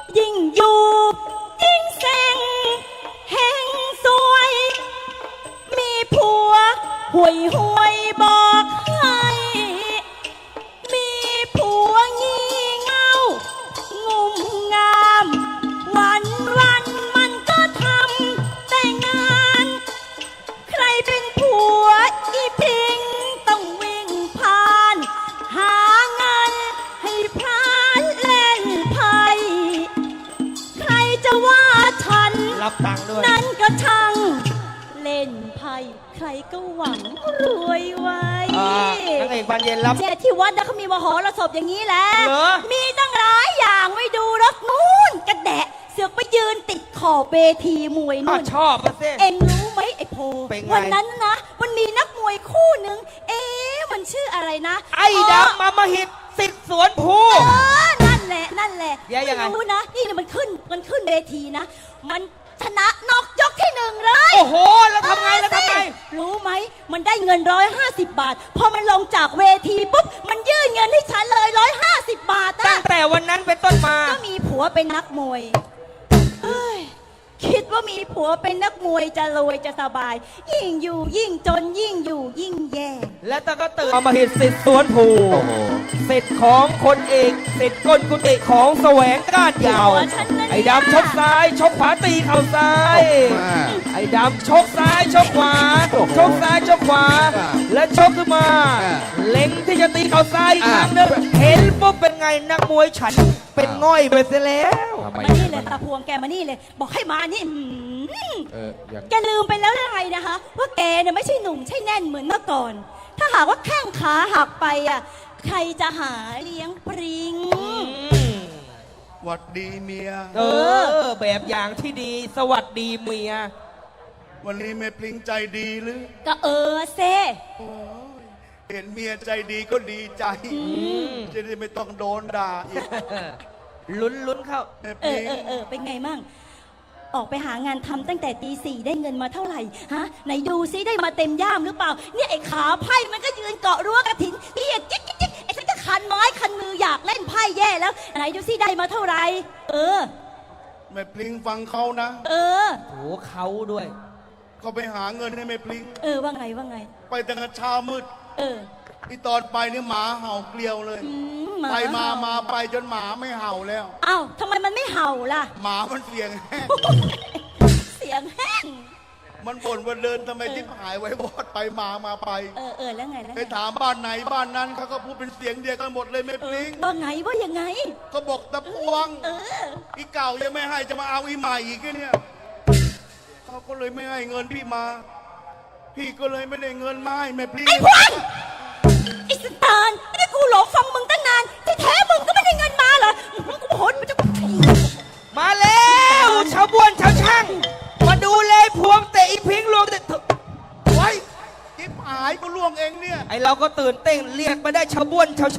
ยิ่งอยู่ยิ่งเซ็งแห่งสวยมีผัวห่วยห่วยบอกให้มีผัวงี่เง่างุ่มงามวันวันมันก็ทำแต่งานใครเป็นผัวอีพิงต้องวิ่งผ่านหาเงินให้พรานเล่นไพ่ใครจะว่าฉันรับตังค์ด้วยนั่นก็ช่างเล่นไพ่ใครก็หวังรวยไว้นางเอกบานเย็นรับเจ๊ที่วัดนะเขามีมหรสพอย่างนี้แหละเหรอมีตั้งหลายอย่างไว้ดูรถนู้นกระแดะเสือกไปยืนติดขอบเวทีมวยอ้านู่วน ชอบมาสิเอ็งรู้ไหมไอ้โพเป็นไงวันนั้นนะมันมีนักมวยคู่หนึ่งมันชื่ออะไรนะไอ้ดำมาหิตสิทธิ์สวนภูนั่นแหละนั่นแหละแย่ยังไงม่รู้นะนี่มันขึ้นเวทีนะมันชนะนอกยกที่หนึ่งเลยโอ้โห แล้วทำไงแล้วทำไงรู้ไหมมันได้เงิน150 บาทพอมันลงจากเวทีปุ๊บมันยื่นเงินให้ฉันเลย150 บาทตั้นะงแต่วันนั้นเป็นต้นมาก็มีผัวเป็นนักมวยเฮ้ยคิดว่ามีผัวเป็นนักมวยจะรวยจะสบาย ยิ่งอยู่ยิ่งจนยิ่งอยู่ยิ่งแย่และตาก็ตื่นมาหิตสิทธิ์สวนภูสิทธิ์ของคนเอกสิทธิ์ก้นกุฏิของแสวงก้านยาวผัวฉันนะเนี่ยไอ้ดำชกซ้ายชกขวาตีเข่าซ้าย ไอ้ดำชกซ้ายชกขวาชกซ้ายชกขวา และชกขึ้นมา เล็งที่จะตีเข่าซ้ายอีกครั้งหนึงเห็นปุ๊บเป็นไงนักมวยฉันเป็นง่อยไปเสียแล้วมานี่เลยตาพวงแกมานี่เลย บอกให้มานี่อย่างแกลืมไปแล้วหรือไงนะคะว่าแกเนี่ยไม่ใช่หนุ่มใช่แน่นเหมือนเมื่อก่อน ถ้าหากว่าแข้งขาหักไปอ่ะใครจะหาเลี้ยงปริงหวัดดีเมียแบบอย่างที่ดีสวัสดีเมียวันนี้แม่ปลิงใจดีหรือก็เซโอ้ยเห็นเมียใจดีก็ดีใจ จะได้ไม่ต้องโดนด่าอีกลุ้นเข้าแม่ปลิงเป็นไงมั่งออกไปหางานทำตั้งแต่ตี 4ได้เงินมาเท่าไหร่ฮะไหนดูซิได้มาเต็มย่ามหรือเปล่าเนี่ยไอ้ขาไพ่มันก็ยืนเกาะรั้วกระถินเอียจิ๊กจิ๊กจิ๊กไอ้ฉันก็คันไม้คันมืออยากเล่นไพ่แย่แล้วไหนดูซิได้มาเท่าไหร่แม่ปลิงฟังเขานะโหเขาด้วยเขาไปหาเงินให้แม่ปลิงว่าไงว่าไงไปตั้งแต่เช้ามืดเออที่ตอนไปนี่หมาเห่าเกลียวเลยหไปมาเห่มาไปจนหมาไม่เห่าแล้วอ้าวทำไมมันไม่เห่าล่ะหมามันเสียงแห้งเสียงแห้งมันบ่นว่าเดินทำไมทิพหายไว้บอดไปมาไปแล้วไงแล้วไปไงถามบ้านไหนบ้านนั้นเขาก็พูดเป็นเสียงเดียวกันหมดเลยแม่ปลิงว่าไงว่ายังไงก็บอกตะพวง อีเก่ายังไม่ให้จะมาเอาอีใหม่อีกเนี่ยเขาก็เลยไม่ให้เงินพี่มา พี่ก็เลยไม่ได้เงินมาให้แม่พลีไอ้พวงไอ้สตาร์ไม่ได้กูหลงฟังมึงตั้งนานที่แท้มึงก็ไม่ได้เงินมาเหรอกูโหดมันจะมาแล้วชาวบ้วนชาวช่างมาดูเลยพวงเตะอีพิงลวงเตะไว้จิ๊บหายก็ล่วงเองเนี่ยไอเราก็ตื่นเต้นเรียกมาได้ชาวบ้วนชาว